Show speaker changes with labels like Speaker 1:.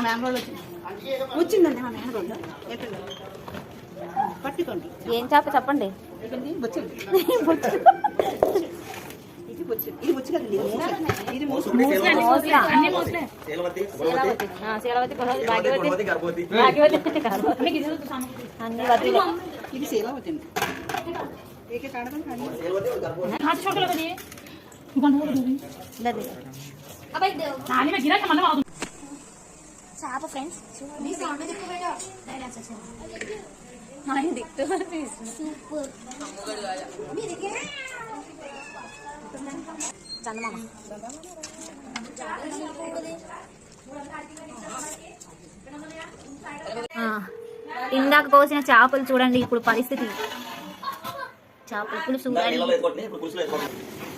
Speaker 1: మ్యాంగోలు వచ్చిందండి మా మ్యాంగోలు పట్టుకోండి.
Speaker 2: ఏం చేప చెప్పండి. చేప ఫ్రెండ్స్ చందమామ ఇందాక కోసిన చేపలు చూడండి ఇప్పుడు పరిస్థితి. చేపల పులుసు